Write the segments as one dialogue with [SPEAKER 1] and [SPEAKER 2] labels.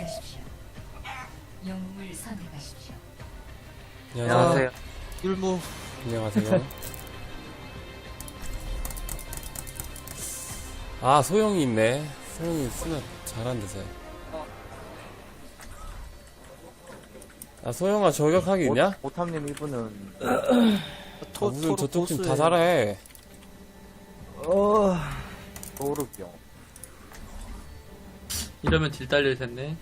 [SPEAKER 1] 준비하십시오. 영웅을 선택하십시오.
[SPEAKER 2] 안녕하세요.
[SPEAKER 3] 율무.
[SPEAKER 4] 안녕하세요. 아, 소영이 있네. 소영이 쓰면 잘한대서요. 아, 소영아, 저격하기 있냐?
[SPEAKER 2] 오탐님 이분은
[SPEAKER 4] 무슨 저쪽 팀 다 잘해.
[SPEAKER 2] 도르병.
[SPEAKER 5] 이러면 딜 딸릴 텐데.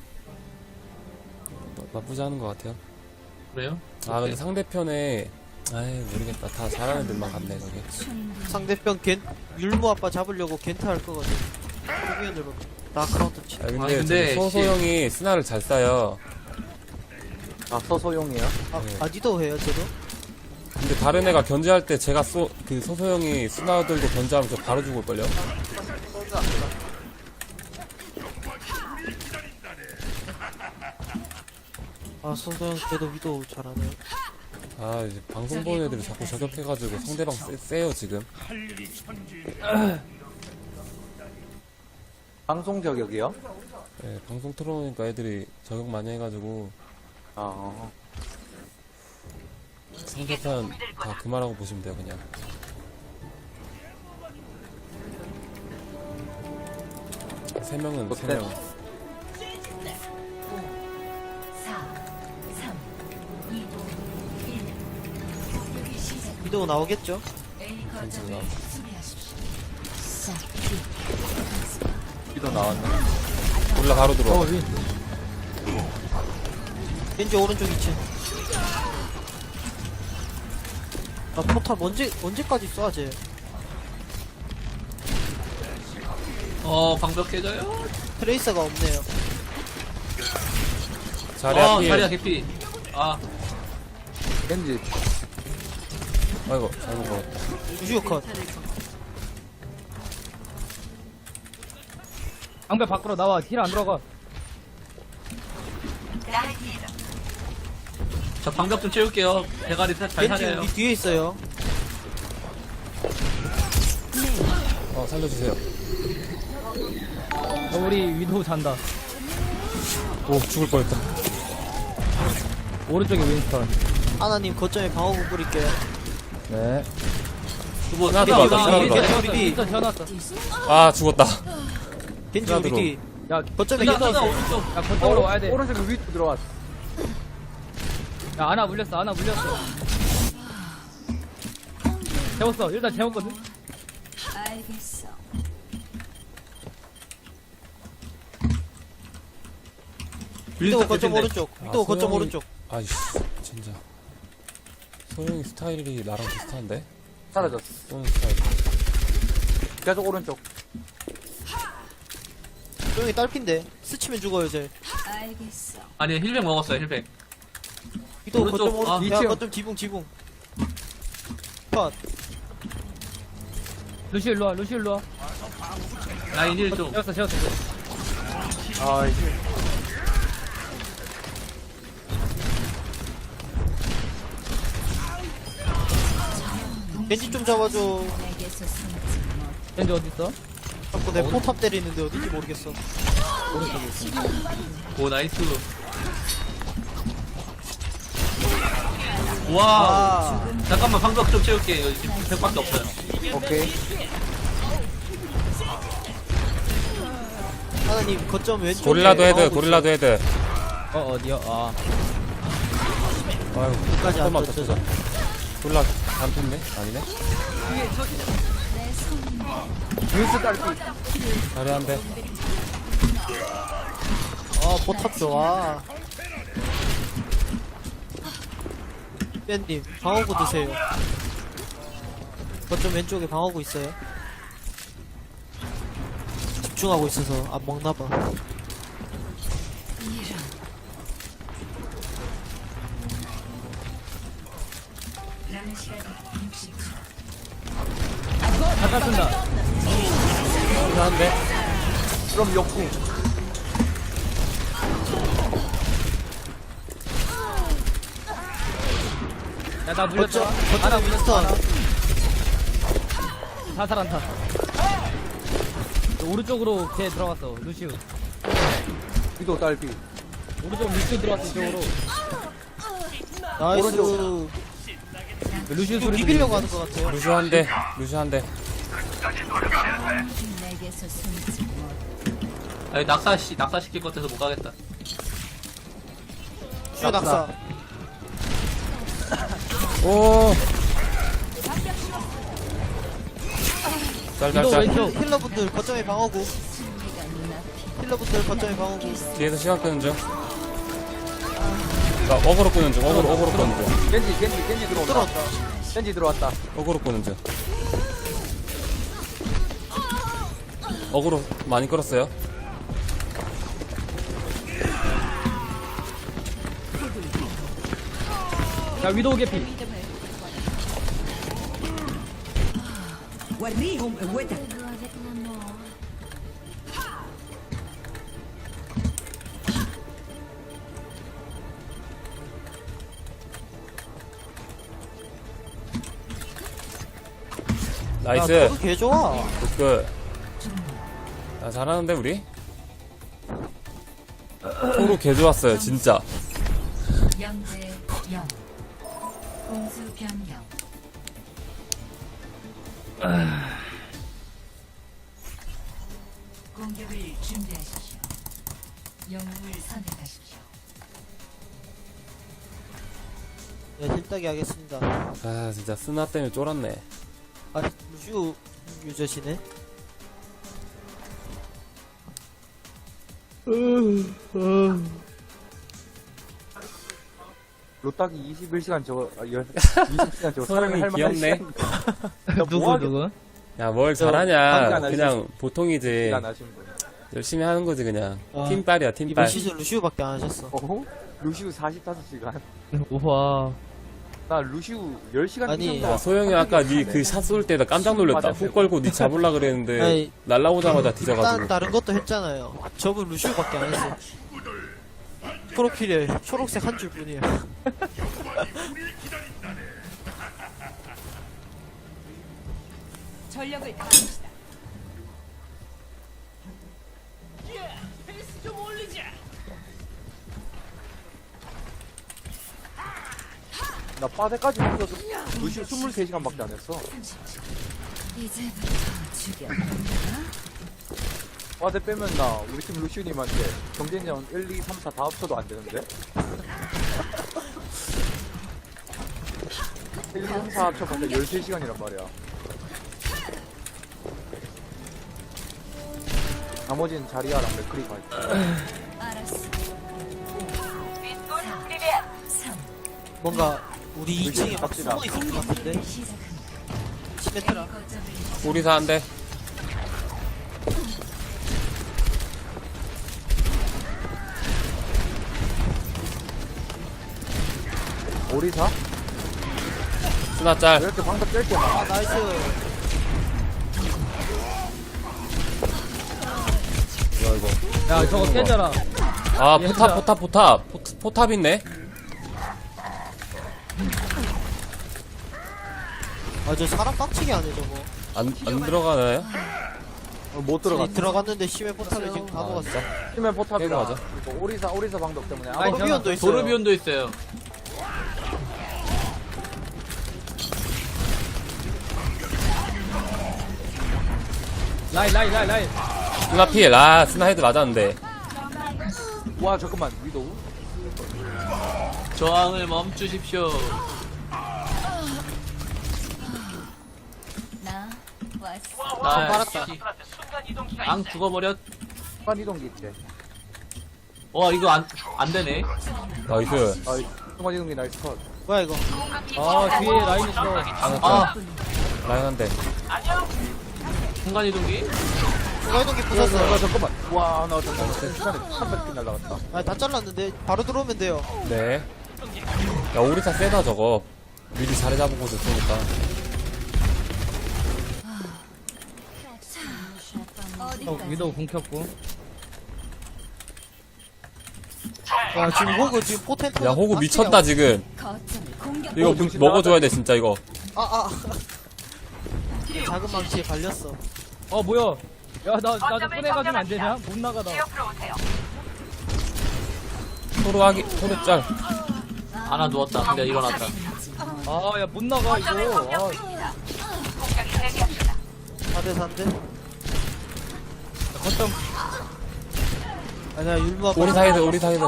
[SPEAKER 4] 나쁘지 않은 것 같아요.
[SPEAKER 5] 그래요?
[SPEAKER 4] 아, 근데 상대편에, 아이, 모르겠다. 다 잘하는 애들만 갔네, 거기.
[SPEAKER 3] 상대편 율무 아빠 잡으려고 겐트 할 거거든. 초기현들 나크라운드 치.
[SPEAKER 4] 아, 근데,
[SPEAKER 5] 아니, 근데
[SPEAKER 4] 소소영이 스나를 잘 쏴요.
[SPEAKER 2] 아, 서소용이요?
[SPEAKER 3] 아디도 해요, 저도?
[SPEAKER 4] 근데 다른 애가 견제할 때 제가 그 소소영이 스나 들고 견제하면 저 바로 죽을걸요?
[SPEAKER 3] 아, 소소형 그래도 위도 잘하네.
[SPEAKER 4] 아, 이제 방송 보는 애들이 자꾸 저격해가지고 상대방 세요, 지금.
[SPEAKER 2] 방송 저격이요?
[SPEAKER 4] 네, 방송 틀어놓으니까 애들이 저격 많이 해가지고
[SPEAKER 2] 아,
[SPEAKER 4] 상대편 다 그만하고 보시면 돼요, 그냥. 세 명은 세 명.
[SPEAKER 1] 4, 3, 2, 1. 공격이 시작.
[SPEAKER 3] 위도 나오겠죠?
[SPEAKER 1] A
[SPEAKER 4] 괜찮아.
[SPEAKER 1] 거점을 수비하십시오.
[SPEAKER 2] 이도 나왔네.
[SPEAKER 4] 몰라, 바로 들어와.
[SPEAKER 3] 겐지 오른쪽 2층. 아, 포탑 언제까지 쏴, 쟤?
[SPEAKER 5] 방벽 깨져요?
[SPEAKER 3] 트레이서가 없네요.
[SPEAKER 4] 자리야, 피해.
[SPEAKER 5] 자리야 개피. 아,
[SPEAKER 2] 겐지.
[SPEAKER 4] 아이고, 잘못 먹었다.
[SPEAKER 3] 우주요 컷.
[SPEAKER 6] 방배 밖으로 나와. 힐 안 들어가.
[SPEAKER 5] 저 방벽 좀 채울게요. 대가리 잘
[SPEAKER 3] 겐지
[SPEAKER 5] 사려요.
[SPEAKER 3] 우리 뒤에 있어요.
[SPEAKER 4] 살려주세요.
[SPEAKER 6] 우리 위도우 잔다.
[SPEAKER 4] 오, 죽을 뻔했다.
[SPEAKER 6] 오른쪽에 윈스턴.
[SPEAKER 3] 하나님 거점에 방어구 뿌릴게요.
[SPEAKER 6] 네.
[SPEAKER 5] 두번
[SPEAKER 4] 하나 들어왔다, 하나 들어왔다.
[SPEAKER 6] 윈스턴 태어났어.
[SPEAKER 4] 아, 죽었다.
[SPEAKER 3] 겐지 우리
[SPEAKER 4] 들어.
[SPEAKER 3] 뒤.
[SPEAKER 6] 야,
[SPEAKER 3] 거점에
[SPEAKER 5] 하나
[SPEAKER 3] 겐지.
[SPEAKER 5] 오른쪽.
[SPEAKER 6] 야, 거쪽으로 와야 돼.
[SPEAKER 2] 오른쪽 위로 들어왔어.
[SPEAKER 6] 야, 하나 물렸어. 하나 물렸어. 재웠어. 일단 재웠거든.
[SPEAKER 1] 알겠어.
[SPEAKER 3] 위도 거점
[SPEAKER 5] 개피인데.
[SPEAKER 3] 오른쪽. 위도 거점
[SPEAKER 4] 소영이-
[SPEAKER 3] 오른쪽.
[SPEAKER 4] 아이씨, 진짜. 소영이 스타일이 나랑 비슷한데?
[SPEAKER 2] 사라졌어.
[SPEAKER 4] 소영 스타일.
[SPEAKER 2] 계속 오른쪽.
[SPEAKER 3] 조용히 딸핀데. 스치면 죽어요, 쟤.
[SPEAKER 1] 알겠어.
[SPEAKER 5] 아니 힐백 먹었어요 힐백.
[SPEAKER 3] 위도
[SPEAKER 5] 오른쪽,
[SPEAKER 3] 거점 오른쪽.
[SPEAKER 5] 아,
[SPEAKER 3] 야,
[SPEAKER 2] 2층.
[SPEAKER 3] 거점 지붕. 컷.
[SPEAKER 6] 루시 일로 와. 루시 일로 와.
[SPEAKER 5] 라인 1쪽.
[SPEAKER 6] 재웠어.
[SPEAKER 2] 아, 이제.
[SPEAKER 3] 겐지 좀 잡아줘.
[SPEAKER 1] 내게서 숨지 못.
[SPEAKER 6] 겐지 어딨어?
[SPEAKER 3] 자꾸 내 포탑 때리는데 어딘지 모르겠어.
[SPEAKER 5] 오 나이스. 와.
[SPEAKER 3] 아,
[SPEAKER 5] 잠깐만 방벽 좀 채울게. 여기 지금 100밖에 없어요.
[SPEAKER 2] 오케이.
[SPEAKER 3] 하나님 거점 왼쪽에.
[SPEAKER 4] 고릴라도 헤드,
[SPEAKER 3] 방어구
[SPEAKER 4] 고릴라도 헤드.
[SPEAKER 6] 어디야? 아.
[SPEAKER 4] 아유,
[SPEAKER 3] 끝까지 안
[SPEAKER 4] 잠깐만
[SPEAKER 3] 떴죠.
[SPEAKER 4] 고릴라 안 폈네? 아니네?
[SPEAKER 2] 윈스 딸피.
[SPEAKER 4] 자리 한 대.
[SPEAKER 3] 아, 포탑 좋아. 뺀님, 방어구 드세요. 거점 왼쪽에 방어구 있어요. 집중하고 있어서 안 먹나봐.
[SPEAKER 1] 남은 시간 60초.
[SPEAKER 6] 잠깐 쓴다.
[SPEAKER 4] 한 대.
[SPEAKER 2] 그럼 역궁.
[SPEAKER 6] 야, 나 물렸어.
[SPEAKER 3] 거점,
[SPEAKER 6] 하나
[SPEAKER 3] 거점에
[SPEAKER 6] 물렸어.
[SPEAKER 3] 윈스턴.
[SPEAKER 6] 사살 안타. 오른쪽으로 걔 들어갔어. 루시우.
[SPEAKER 2] 위도 딸피.
[SPEAKER 6] 오른쪽 루시오 들어왔어 이쪽으로.
[SPEAKER 3] 나이스.
[SPEAKER 6] 루시오 소리
[SPEAKER 3] 비비려고 하는 것 같아요.
[SPEAKER 4] 루시 한 대, 루시 한 대.
[SPEAKER 1] 내게서 숨지 못.
[SPEAKER 5] 아니, 낙사시킬 것 같아서 못 가겠다.
[SPEAKER 3] 슈 낙사.
[SPEAKER 4] 오!
[SPEAKER 6] 위도
[SPEAKER 4] 짤짤짤.
[SPEAKER 6] 왼쪽.
[SPEAKER 3] 힐러분들 거점에 방어구.
[SPEAKER 1] 승리가 눈앞이.
[SPEAKER 3] 힐러분들 거점에 방어구.
[SPEAKER 4] 뒤에서 시간 끄는 중. 나 어그로 끄는 중, 어그로 끄는 중.
[SPEAKER 2] 겐지 들어온다.
[SPEAKER 3] 들어왔다.
[SPEAKER 2] 겐지 들어왔다.
[SPEAKER 4] 어그로 끄는 중. 어그로 많이 끌었어요.
[SPEAKER 6] 자 위도 개피.
[SPEAKER 4] 나이스.
[SPEAKER 3] 야, 개 좋아.
[SPEAKER 4] 굿. 야, 잘하는데, 우리? 서로 개 좋았어요, 진짜.
[SPEAKER 1] 0대 0. 공수 변경. 공격을 준비하십시오. 영웅을 선택하십시오.
[SPEAKER 3] 네, 힐따기 하겠습니다.
[SPEAKER 4] 아, 진짜 스나 때문에 쫄았네.
[SPEAKER 3] 아, 루시오 유저시네.
[SPEAKER 2] 로딱이 21시간 저거 20시간 저거
[SPEAKER 4] 소영이
[SPEAKER 2] 사람이 할 만한
[SPEAKER 4] 귀엽네.
[SPEAKER 2] 시간.
[SPEAKER 6] 누구?
[SPEAKER 4] 야, 뭘
[SPEAKER 2] 관계
[SPEAKER 4] 잘하냐.
[SPEAKER 2] 안
[SPEAKER 4] 그냥 보통이지.
[SPEAKER 2] 시간 하시는 분.
[SPEAKER 4] 열심히 하는 거지, 그냥.
[SPEAKER 3] 아,
[SPEAKER 4] 팀빨이야,
[SPEAKER 3] 이번
[SPEAKER 4] 팀빨.
[SPEAKER 3] 시즌 루시오밖에 안 하셨어.
[SPEAKER 2] 어? 루시우 45시간.
[SPEAKER 6] 우와.
[SPEAKER 2] 나 루시우 10시간
[SPEAKER 3] 아니,
[SPEAKER 4] 야, 소영이 아까 니 그 샷 쏠 때 나 깜짝 놀랐다.
[SPEAKER 2] 맞아.
[SPEAKER 4] 훅 걸고 니 잡으려 그랬는데,
[SPEAKER 3] 아니,
[SPEAKER 4] 날라오자마자
[SPEAKER 3] 일단
[SPEAKER 4] 뒤져가지고.
[SPEAKER 3] 다른 것도 했잖아요. 저분 루시오밖에 안 했어. 프로필에 초록색 한 줄 뿐이야.
[SPEAKER 1] 전력을 다합시다.
[SPEAKER 2] 나 빠데까지 붙어서 루시우 23시간밖에 안 했어.
[SPEAKER 1] 이제부터 죽여.
[SPEAKER 2] 빠데 빼면 나 우리 팀 루시우님한테 경쟁전 1, 2, 3, 4 다 합쳐도 안 되는데? 1, 2, 3, 4 합쳐봤자 13시간이란 말이야. 나머지는 자리아랑 맥크리가 있고.
[SPEAKER 1] 알았어. 3.
[SPEAKER 3] 뭔가 우리 2층에 막
[SPEAKER 2] 갑시다.
[SPEAKER 3] 숨어 있을 것 같은데.
[SPEAKER 1] 시작합니다.
[SPEAKER 3] 시메트라.
[SPEAKER 1] 거점을
[SPEAKER 4] 우리사 한 대.
[SPEAKER 2] 오리사?
[SPEAKER 4] 스나
[SPEAKER 2] 왜
[SPEAKER 4] 짤.
[SPEAKER 2] 이렇게 방금 뗄게 많아?
[SPEAKER 3] 아, 나이스.
[SPEAKER 4] 이거, 이거.
[SPEAKER 6] 야 저거 깨져라.
[SPEAKER 4] 아, 포탑 있네.
[SPEAKER 3] 아, 저 사람 빡치게 하네, 저거.
[SPEAKER 4] 안 들어가나요?
[SPEAKER 2] 못 들어갔어.
[SPEAKER 3] 들어갔는데 심해 포탑에 지금 다
[SPEAKER 4] 아,
[SPEAKER 3] 먹었어.
[SPEAKER 4] 진짜?
[SPEAKER 2] 팀의
[SPEAKER 4] 깨고
[SPEAKER 2] 포탑이라.
[SPEAKER 4] 가자.
[SPEAKER 2] 그리고 오리사 방독 때문에.
[SPEAKER 6] 아니,
[SPEAKER 3] 도르비온도 있어요.
[SPEAKER 5] 도르비온도 있어요.
[SPEAKER 6] 라인.
[SPEAKER 4] 스나 피해. 아, 스나 헤드 맞았는데.
[SPEAKER 2] 와, 잠깐만. 위도우?
[SPEAKER 5] 저항을 멈추십시오.
[SPEAKER 1] 나 왔어.
[SPEAKER 5] 나
[SPEAKER 3] 빨았다.
[SPEAKER 5] 앙 죽어버렸.
[SPEAKER 2] 순간 이동기 있대.
[SPEAKER 5] 와, 이거 안 되네.
[SPEAKER 4] 나이스.
[SPEAKER 2] 아, 순간 이동기 나이스 컷.
[SPEAKER 3] 뭐야, 이거.
[SPEAKER 6] 아 뒤에 라인 있어.
[SPEAKER 5] 아,
[SPEAKER 4] 라인 한 대.
[SPEAKER 5] 순간이동기?
[SPEAKER 3] 중간이동기
[SPEAKER 2] 야,
[SPEAKER 3] 부쉈어.
[SPEAKER 2] 잠깐만. 와, 나 잠깐만. 시간에 300개 날라갔다.
[SPEAKER 3] 아, 다 잘랐는데. 바로 들어오면 돼요.
[SPEAKER 4] 네. 야, 오리사 세다, 저거. 미리 자리 잡고 있으니까.
[SPEAKER 1] 어디까지?
[SPEAKER 6] 위도 궁 켰고.
[SPEAKER 3] 야, 지금 호그 지금 포텐트.
[SPEAKER 4] 야, 호구 미쳤다, 지금.
[SPEAKER 1] 거점을 공격.
[SPEAKER 4] 이거
[SPEAKER 2] 정신
[SPEAKER 4] 먹어줘야 돼, 진짜, 이거.
[SPEAKER 3] 작은 망치에 갈렸어.
[SPEAKER 6] 뭐야? 야 나도 꺼내가지면 안 되냐? 못 나가다.
[SPEAKER 4] 토르 짤.
[SPEAKER 5] 아나 누웠다. 근데 일어났다.
[SPEAKER 6] 아, 야, 못 나가, 이거. 아,
[SPEAKER 3] 4대 4인데?
[SPEAKER 6] 거점.
[SPEAKER 3] 아니야, 율무 아빠.
[SPEAKER 4] 우리 사이드.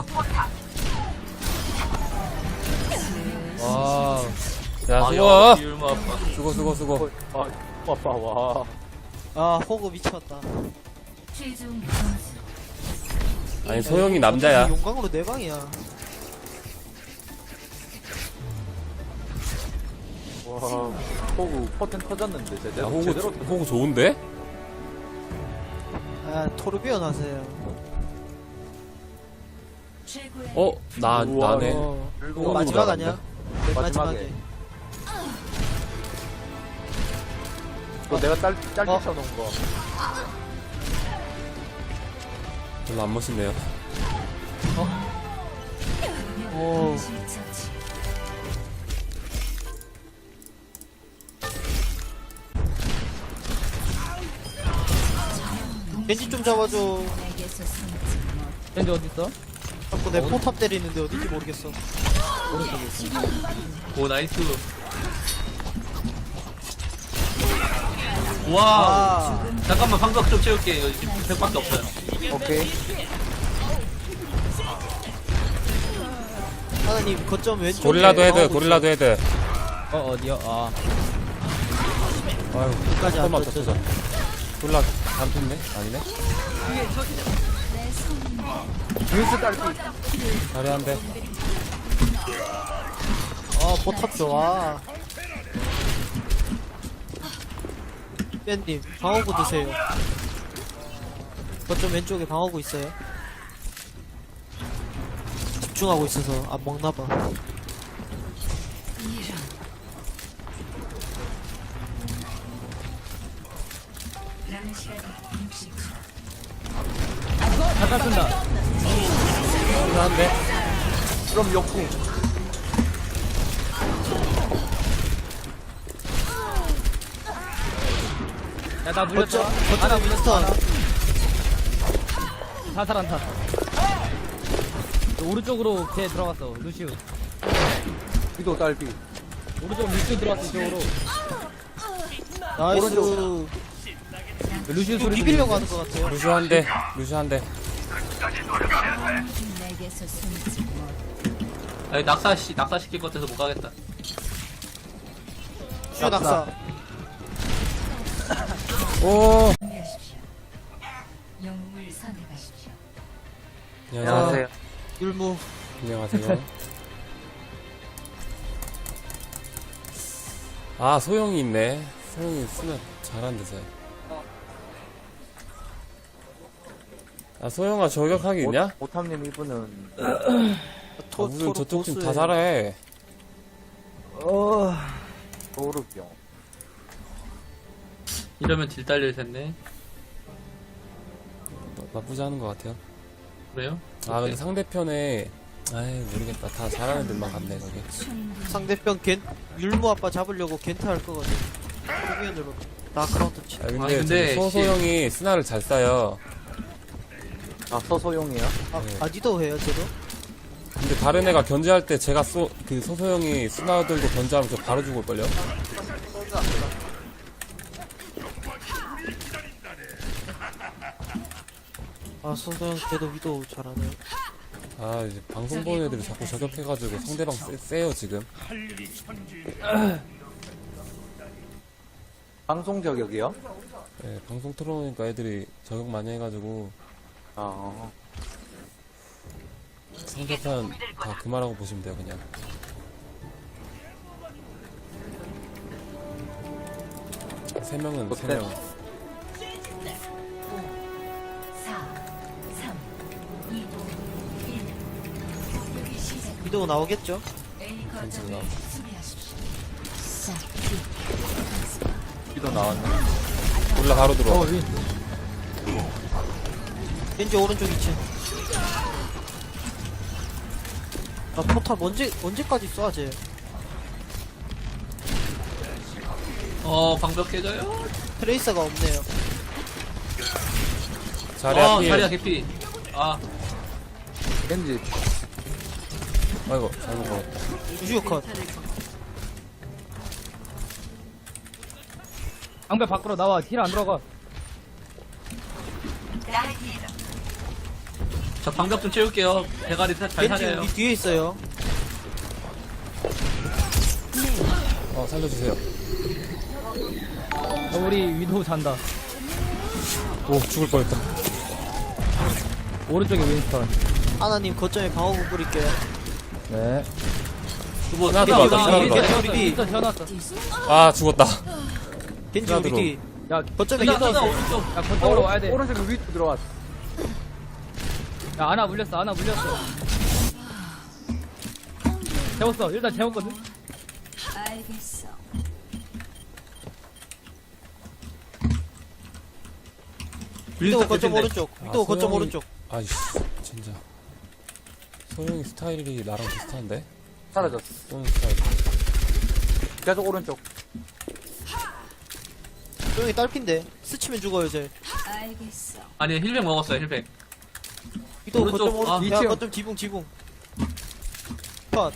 [SPEAKER 6] 와.
[SPEAKER 4] 야,
[SPEAKER 5] 아,
[SPEAKER 4] 수고.
[SPEAKER 5] 역시 율무 아빠.
[SPEAKER 4] 수고.
[SPEAKER 2] 아, 아빠, 와.
[SPEAKER 3] 아, 호구 미쳤다.
[SPEAKER 1] 최종 점수
[SPEAKER 4] 아니, 소영이 남자야.
[SPEAKER 3] 용광으로 4방이야.
[SPEAKER 2] 와, 호구 퍼텐 터졌는데,
[SPEAKER 4] 야,
[SPEAKER 2] 제대로.
[SPEAKER 4] 호구,
[SPEAKER 2] 제대로
[SPEAKER 4] 호구 좋은데?
[SPEAKER 3] 아, 토르비온 하세요.
[SPEAKER 1] 최고의
[SPEAKER 4] 나네.
[SPEAKER 3] 이거
[SPEAKER 2] 호구
[SPEAKER 3] 마지막
[SPEAKER 2] 잘한다.
[SPEAKER 3] 아니야? 네,
[SPEAKER 2] 마지막에.
[SPEAKER 3] 마지막에.
[SPEAKER 2] 이거 내가 짧게
[SPEAKER 3] 어?
[SPEAKER 2] 쳐놓은 거.
[SPEAKER 4] 별로 안 멋있네요.
[SPEAKER 3] 오.
[SPEAKER 1] 실처치
[SPEAKER 3] 겐지 좀 잡아줘.
[SPEAKER 1] 내게서 숨지 못
[SPEAKER 6] 밴드 어딨어?
[SPEAKER 3] 자꾸 내 포탑 때리는데 어딘지 모르겠어.
[SPEAKER 5] 오, 나이스. 와.
[SPEAKER 3] 아,
[SPEAKER 5] 잠깐만, 방벽 좀 채울게. 여기 지금 100밖에 없어요.
[SPEAKER 2] 오케이.
[SPEAKER 3] 하나님, 거점 왼쪽에.
[SPEAKER 4] 고릴라도 헤드.
[SPEAKER 3] 방어구 있어요.
[SPEAKER 6] 어디요? 아.
[SPEAKER 4] 아유,
[SPEAKER 3] 끝까지 안
[SPEAKER 4] 잠깐만
[SPEAKER 3] 떴죠.
[SPEAKER 4] 더 골라 단핀데? 아니네?
[SPEAKER 2] 윈스 딸피.
[SPEAKER 4] 잘해한데.
[SPEAKER 3] 포탑 좋아. 뺀님, 방어구 드세요. 거점 왼쪽에 방어구 있어요. 집중하고 있어서 안 먹나봐.
[SPEAKER 1] 남은 시간 60초
[SPEAKER 6] 잠깐 쓴다.
[SPEAKER 4] 필요한데?
[SPEAKER 2] 그럼 역궁.
[SPEAKER 6] 야, 나 물렸다.
[SPEAKER 3] 거점,
[SPEAKER 6] 하나
[SPEAKER 3] 거점에
[SPEAKER 6] 물렸어.
[SPEAKER 3] 윈스턴.
[SPEAKER 6] 사살 안타. 오른쪽으로 걔 들어갔어. 루시우.
[SPEAKER 2] 위도 딸피.
[SPEAKER 6] 오른쪽 루시우 들어갔어, 이쪽으로.
[SPEAKER 3] 나이스.
[SPEAKER 2] 오른쪽.
[SPEAKER 6] 루시우
[SPEAKER 3] 이거
[SPEAKER 6] 소리
[SPEAKER 3] 비비려고 하는 것 같아요.
[SPEAKER 4] 루시 한 대.
[SPEAKER 1] 내게서 숨지 못
[SPEAKER 5] 아니, 낙사시킬 것 같아서 못 가겠다.
[SPEAKER 3] 슈 낙사.
[SPEAKER 4] 오!
[SPEAKER 1] 준비하십시오. 영웅을 선택하십시오.
[SPEAKER 4] 안녕하세요.
[SPEAKER 3] 율무.
[SPEAKER 4] 안녕하세요. 아, 소영이 있네. 소영이 쓰면 잘한대서. 아, 소영아 저격하기 있냐?
[SPEAKER 2] 오탐님 이분은.
[SPEAKER 4] 무슨 저쪽 팀 다 잘해.
[SPEAKER 2] 도르병.
[SPEAKER 5] 이러면 딜 딸릴 텐데.
[SPEAKER 4] 나쁘지 않은 것 같아요.
[SPEAKER 5] 그래요?
[SPEAKER 4] 아, 근데 상대편에, 아이, 모르겠다. 다 잘하는 데만 갔네, 거기.
[SPEAKER 3] 상대편 율무 아빠 잡으려고 겐트 할 거거든. 토르비온으로 나 카운터 치.
[SPEAKER 4] 아, 근데,
[SPEAKER 5] 아니, 근데
[SPEAKER 4] 소소영이 스나를 잘 쏴요.
[SPEAKER 2] 아, 서소용이야?
[SPEAKER 3] 니도 해요, 저도?
[SPEAKER 4] 근데 다른 애가 견제할 때 제가 그 소소영이 스나 들고 견제하면 저 바로 죽을걸요?
[SPEAKER 3] 아, 소소형 걔도 위도 잘하네.
[SPEAKER 4] 아, 이제 방송 보는 애들이 자꾸 저격해가지고 상대방 세요, 지금.
[SPEAKER 2] 방송 저격이요?
[SPEAKER 4] 예, 방송 틀어놓으니까 애들이 저격 많이 해가지고
[SPEAKER 2] 아,
[SPEAKER 4] 상대편 다 그만하고 보시면 돼요, 그냥. 세 명은 세 명.
[SPEAKER 1] 4, 3, 2, 1. 공격이 시작.
[SPEAKER 3] 위도 나오겠죠?
[SPEAKER 1] A
[SPEAKER 4] 괜찮아.
[SPEAKER 1] 거점을 수비하십시오. 시작.
[SPEAKER 2] 위도 나왔네.
[SPEAKER 4] 몰라 바로 들어.
[SPEAKER 3] 왠지 오른쪽 2층. 아, 포탑 언제까지 쏴, 쟤?
[SPEAKER 5] 방벽 깨져요?
[SPEAKER 3] 트레이서가 없네요.
[SPEAKER 4] 자리야,
[SPEAKER 5] 자리야
[SPEAKER 4] 필.
[SPEAKER 5] 개피. 아,
[SPEAKER 2] 겐지.
[SPEAKER 4] 아이고, 잘못 먹었다.
[SPEAKER 3] 루시오 컷.
[SPEAKER 6] 방배 밖으로 나와. 힐 안 들어가.
[SPEAKER 5] 저 방벽 좀 채울게요. 대가리 잘
[SPEAKER 3] 겐지
[SPEAKER 5] 사려요.
[SPEAKER 3] 우리 뒤에 있어요.
[SPEAKER 4] 살려주세요.
[SPEAKER 6] 우리 위도우 잔다.
[SPEAKER 4] 오, 죽을 뻔했다.
[SPEAKER 6] 오른쪽에 윈스턴.
[SPEAKER 3] 하나님 거점에 방어구 뿌릴게요.
[SPEAKER 2] 네.
[SPEAKER 5] 두번
[SPEAKER 4] 하나 들어왔다, 하나
[SPEAKER 3] 우리
[SPEAKER 4] 들어왔다.
[SPEAKER 3] 뒤, 우리 뒤.
[SPEAKER 6] 윈스턴 태어났어.
[SPEAKER 4] 아, 죽었다.
[SPEAKER 3] 겐지 우리 뒤.
[SPEAKER 6] 야,
[SPEAKER 3] 거점에
[SPEAKER 5] 나
[SPEAKER 3] 겐지.
[SPEAKER 5] 오른쪽.
[SPEAKER 6] 야, 거쪽으로 와야 돼.
[SPEAKER 2] 오른쪽 위로 들어왔어.
[SPEAKER 6] 야, 아나 물렸어. 아나 물렸어. 재웠어. 일단 재웠거든.
[SPEAKER 1] 알겠어.
[SPEAKER 3] 위도 거점
[SPEAKER 5] 개핀데.
[SPEAKER 3] 오른쪽. 위도 거점
[SPEAKER 4] 소영이-
[SPEAKER 3] 오른쪽.
[SPEAKER 4] 아이씨, 진짜. 소영이 스타일이 나랑 비슷한데?
[SPEAKER 2] 사라졌어.
[SPEAKER 4] 쏘는 스타일.
[SPEAKER 2] 계속 오른쪽.
[SPEAKER 3] 소영이 딸핀데. 스치면 죽어요 쟤.
[SPEAKER 1] 알겠어.
[SPEAKER 5] 아니 힐백 먹었어요 힐백.
[SPEAKER 3] 위도
[SPEAKER 5] 오른쪽,
[SPEAKER 3] 거점 오른쪽.
[SPEAKER 5] 아,
[SPEAKER 3] 야
[SPEAKER 2] 이층.
[SPEAKER 3] 거점 지붕. 컷.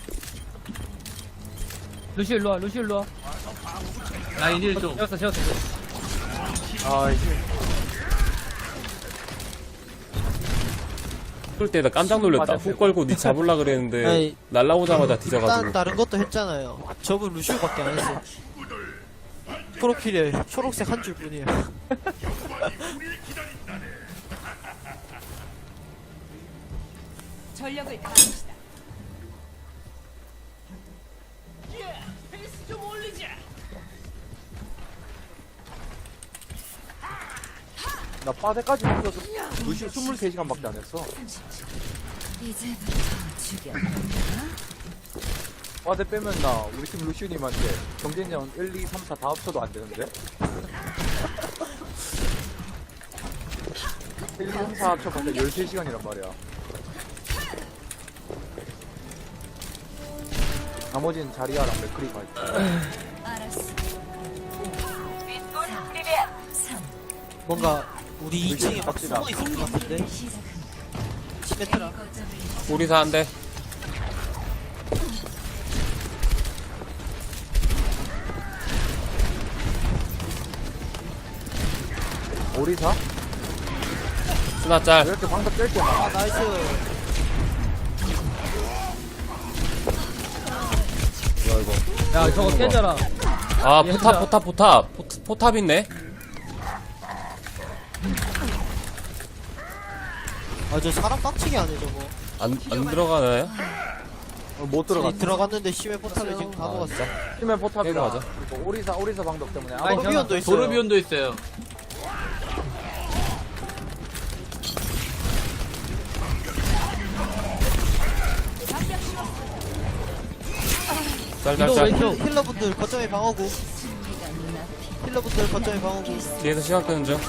[SPEAKER 6] 루시 일로 와. 루시 일로 와.
[SPEAKER 5] 라인 1좀.
[SPEAKER 6] 재웠어.
[SPEAKER 2] 아, 이제.
[SPEAKER 4] 그럴 때 나 깜짝 놀랐다.
[SPEAKER 2] 맞아.
[SPEAKER 4] 훅 걸고 니 잡으려 그랬는데,
[SPEAKER 3] 아이,
[SPEAKER 4] 날라오자마자
[SPEAKER 3] 일단
[SPEAKER 4] 뒤져가지고.
[SPEAKER 3] 다른 것도 했잖아요. 저분 루시오밖에 안 했어. 프로필에 초록색 한 줄 뿐이에요.
[SPEAKER 1] 전력을 다합시다.
[SPEAKER 2] 나 빠데까지 붙어서 루시오 23시간밖에 안 했어.
[SPEAKER 1] 이제부터 죽여.
[SPEAKER 2] 빠데 빼면 나 우리 팀 루시오님한테 경쟁전 1, 2, 3, 4 다 합쳐도 안 되는데? 1, 2, 3, 4 합쳐봤자 13시간이란 말이야. 나머지는 자리아랑 맥크리가 있고.
[SPEAKER 1] 알았어. 3,
[SPEAKER 3] 뭔가 우리 2층에 막
[SPEAKER 2] 갑시다.
[SPEAKER 3] 숨어 있을 것 같은데.
[SPEAKER 1] 시작합니다.
[SPEAKER 3] 시메트라.
[SPEAKER 1] 거점을
[SPEAKER 4] 오리사 한 대.
[SPEAKER 2] 오리사?
[SPEAKER 4] 스나
[SPEAKER 2] 왜
[SPEAKER 4] 짤.
[SPEAKER 2] 이렇게 방석 뗄게 많아?
[SPEAKER 3] 아 나이스.
[SPEAKER 4] 뭐야, 이거.
[SPEAKER 6] 야, 저거 깨져라.
[SPEAKER 4] 아,
[SPEAKER 6] 얘들아.
[SPEAKER 4] 포탑 있네?
[SPEAKER 3] 아 저 사람 빡치게 하네 저거.
[SPEAKER 4] 안 들어가나요?
[SPEAKER 2] 못 들어갔어.
[SPEAKER 3] 들어갔는데 심해 포탑에 지금 다
[SPEAKER 4] 아,
[SPEAKER 3] 먹었어.
[SPEAKER 4] 진짜?
[SPEAKER 2] 팀의
[SPEAKER 4] 깨고
[SPEAKER 2] 포탑이라.
[SPEAKER 4] 가자.
[SPEAKER 2] 그리고 오리사 방석 때문에.
[SPEAKER 6] 아니,
[SPEAKER 3] 도르비온도 있어요.
[SPEAKER 5] 도르비온도 있어요.
[SPEAKER 6] 위도우
[SPEAKER 4] 짤짤짤.
[SPEAKER 6] 왼쪽.
[SPEAKER 3] 힐러분들 거점에 방어구.
[SPEAKER 1] 승리가 눈앞이.
[SPEAKER 3] 힐러분들 거점에 방어구.
[SPEAKER 4] 뒤에서 시간 끄는 중.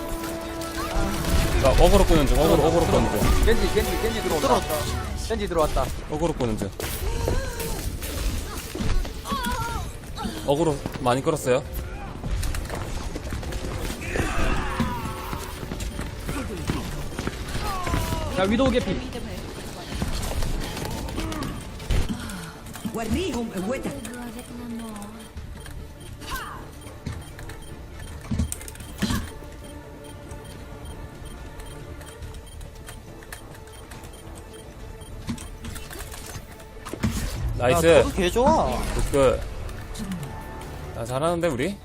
[SPEAKER 4] 나 어그로 끄는 중. 어그로 끄는 중.
[SPEAKER 2] 겐지 들어온다. 겐지 들어왔다.
[SPEAKER 4] 어그로 끄는 중. 어그로 많이 끌었어요.
[SPEAKER 6] 야, 위도우 개피.
[SPEAKER 4] 나이스.
[SPEAKER 3] 야, 저도 개 좋아.
[SPEAKER 4] 굿굿. 야, 잘하는데 우리?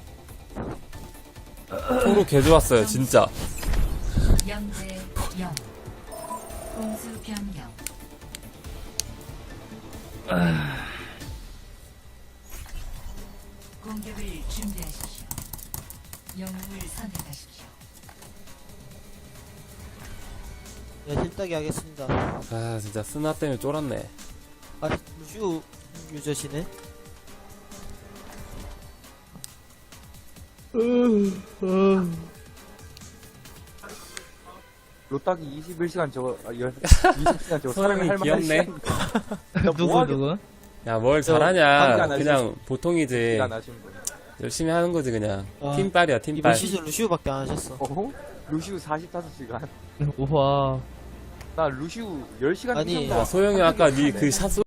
[SPEAKER 4] 서로 개 좋았어요 진짜.
[SPEAKER 1] 0대 0. 공수 변경. 공격을 준비하십시오. 영웅을 선택하십시오.
[SPEAKER 3] 야 힐따기 하겠습니다.
[SPEAKER 4] 아 진짜 스나 때문에 쫄았네.
[SPEAKER 3] 아 루시오 유저시네.
[SPEAKER 2] 로딱이 21시간 저거, 20시간 저거 사람이
[SPEAKER 4] 소영이
[SPEAKER 2] 할 만한
[SPEAKER 4] 귀엽네.
[SPEAKER 2] 시간.
[SPEAKER 6] 누구?
[SPEAKER 4] 야 뭘
[SPEAKER 2] 관계
[SPEAKER 4] 잘하냐.
[SPEAKER 2] 안
[SPEAKER 4] 그냥 보통이지.
[SPEAKER 2] 시간 하신 분.
[SPEAKER 4] 열심히 하는 거지 그냥.
[SPEAKER 3] 아,
[SPEAKER 4] 팀빨이야
[SPEAKER 3] 이번
[SPEAKER 4] 팀빨.
[SPEAKER 3] 시즌 루시오밖에 안 하셨어.
[SPEAKER 2] 어허? 루시우 45시간.
[SPEAKER 6] 우와.
[SPEAKER 2] 나 루시우 10시간
[SPEAKER 3] 아니,
[SPEAKER 2] 이상
[SPEAKER 4] 야, 소영이 아까 니 그 샷